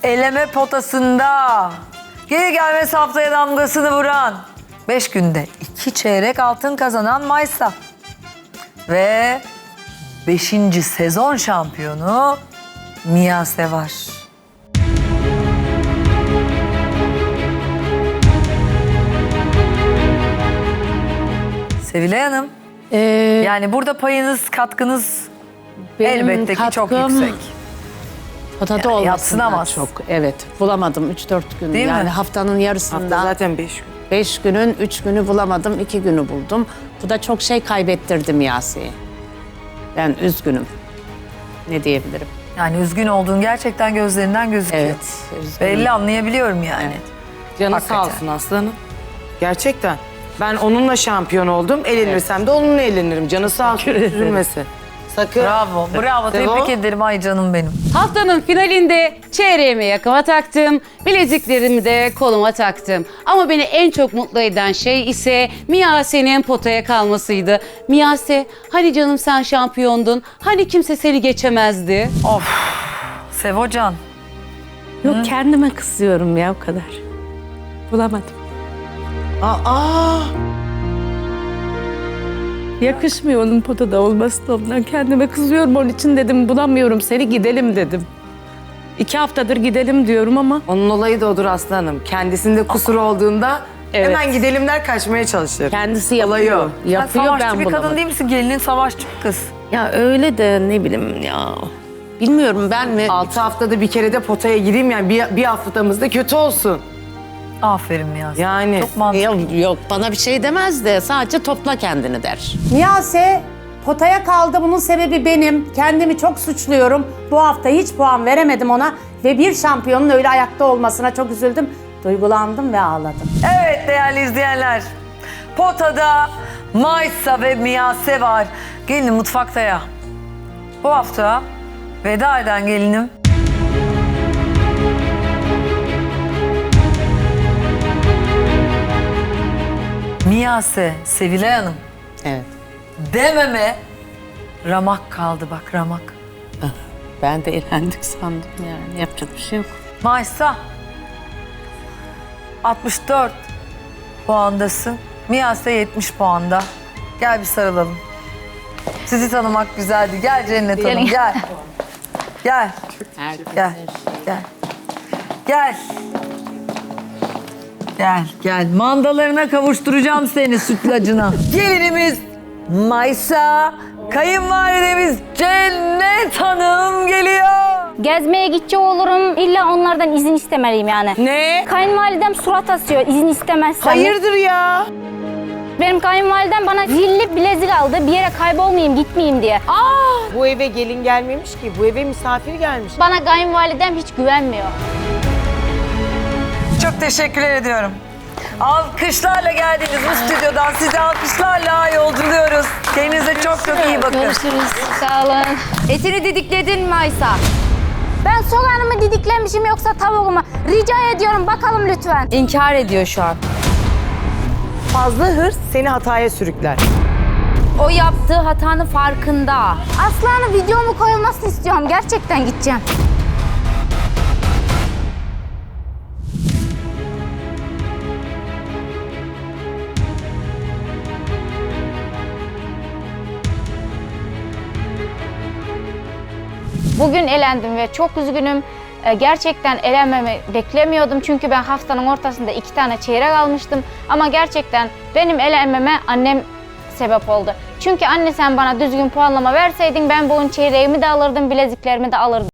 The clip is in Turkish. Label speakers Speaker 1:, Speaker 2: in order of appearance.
Speaker 1: eleme potasında gelir gelmez haftaya damgasını vuran 5 günde 2 çeyrek altın kazanan Maysa ve 5. sezon şampiyonu Miyase var. Sevilay Hanım, yani burada payınız, katkınız elbette ki çok yüksek.
Speaker 2: Potada
Speaker 1: Yani
Speaker 2: olmasından
Speaker 1: yadsınamaz.
Speaker 2: çok. Evet, bulamadım 3-4 gün.
Speaker 1: Değil
Speaker 2: yani
Speaker 1: mi?
Speaker 2: haftanın yarısında.
Speaker 3: Hafta zaten 5 gün.
Speaker 2: 5 günün 3 günü bulamadım, 2 günü buldum. Bu da çok şey kaybettirdi Miyase'yi. Ben üzgünüm. Ne diyebilirim?
Speaker 1: Yani üzgün olduğun gerçekten gözlerinden gözüküyor.
Speaker 2: Evet, üzgünüm.
Speaker 1: Belli, anlayabiliyorum yani.
Speaker 3: Canı
Speaker 1: Hakikaten.
Speaker 3: sağ olsun aslanım. Gerçekten. Ben onunla şampiyon oldum. Elenirsem de onunla elenirim. Canı sağ olsun. Üzülmesin. Sakın.
Speaker 1: Bravo, bravo.
Speaker 3: Devam.
Speaker 1: Tebrik ederim ay canım benim.
Speaker 4: Haftanın finalinde çeyreğimi yakama taktım, bileziklerimi de koluma taktım. Ama beni en çok mutlu eden şey ise Miyase'nin potaya kalmasıydı. Miyase, hani canım sen şampiyondun, hani kimse seni geçemezdi.
Speaker 1: Sevocan.
Speaker 5: Yok kendime kızıyorum ya o kadar. Bulamadım.
Speaker 3: Aa.
Speaker 5: Yakışmıyor onun potada olması da ondan. Kendime kızıyorum onun için dedim bulamıyorum seni gidelim dedim. 2 haftadır gidelim diyorum ama
Speaker 3: Onun olayı da odur aslanım. Kendisinde kusur olduğunda
Speaker 2: Evet.
Speaker 3: hemen gidelim der, kaçmaya çalışır.
Speaker 2: Kendisi
Speaker 3: Olayı
Speaker 2: yapıyor.
Speaker 3: o.
Speaker 1: Sen
Speaker 2: Yapıyor,
Speaker 1: savaşçı
Speaker 2: ben
Speaker 1: bir kadın
Speaker 2: bulamadım.
Speaker 1: değil misin? Gelinin savaşçı bir kız.
Speaker 5: ya öyle de ne bileyim ya.
Speaker 2: Bilmiyorum ben mi?
Speaker 3: 6 haftada bir kere de potaya gireyim yani bir haftamız da kötü olsun.
Speaker 1: Aferin Miyase.
Speaker 3: Yani.
Speaker 1: Çok mantıklı.
Speaker 2: Yok bana bir şey demez de sadece topla kendini der.
Speaker 6: Miyase potaya kaldı. Bunun sebebi benim. Kendimi çok suçluyorum. Bu hafta hiç puan veremedim ona. Ve bir şampiyonun öyle ayakta olmasına çok üzüldüm. Duygulandım ve ağladım.
Speaker 1: Evet değerli izleyenler. Potada Maysa ve Miyase var. Gelin mutfakta ya. Bu hafta veda eden gelinim Miyase, Sevilay Hanım.
Speaker 2: Evet.
Speaker 1: Dememe ramak kaldı bak, ramak.
Speaker 2: Ben de eğlendik sandım yani. Yapacak bir şey yok.
Speaker 1: Maysa 64 puandasın. Miyase 70 puanda. Gel bir sarılalım. Sizi tanımak güzeldi. Gel Cennet Hanım gel. Gel. Gel. Gel. Gel. Gel, gel. Mandalarına kavuşturacağım seni sütlacına. Gelinimiz Maysa, kayınvalidemiz Cennet Hanım geliyor.
Speaker 7: Gezmeye gidecek olurum. İlla onlardan izin istemeliyim yani.
Speaker 3: Ne?
Speaker 7: Kayınvalidem surat asıyor izin istemezsem.
Speaker 3: Hayırdır ya?
Speaker 7: Benim kayınvalidem bana zilli bilezik aldı. Bir yere kaybolmayayım, gitmeyeyim diye.
Speaker 3: Bu eve gelin gelmemiş ki. Bu eve misafir gelmiş.
Speaker 7: Bana kayınvalidem hiç güvenmiyor.
Speaker 1: Çok teşekkür ediyorum. Alkışlarla geldiğiniz bu stüdyodan sizi alkışlarla yolculuyoruz. Kendinize çok çok iyi bakın.
Speaker 7: Görüşürüz. Sağ olun.
Speaker 8: Etini didikledin mi Aysa?
Speaker 7: Ben soğanımı didiklemişim yoksa tavuğumu. Rica ediyorum bakalım lütfen.
Speaker 8: İnkar ediyor şu an.
Speaker 3: Fazla hırs seni hataya sürükler.
Speaker 8: O yaptığı hatanın farkında.
Speaker 7: Aslanın videomu koyulmasını istiyorum. Gerçekten gideceğim. Bugün elendim ve çok üzgünüm. Gerçekten elenmemi beklemiyordum. Çünkü ben haftanın ortasında 2 tane çeyrek almıştım. Ama gerçekten benim elenmeme annem sebep oldu. Çünkü anne sen bana düzgün puanlama verseydin ben bu çeyreğimi de alırdım, bileziklerimi de alırdım.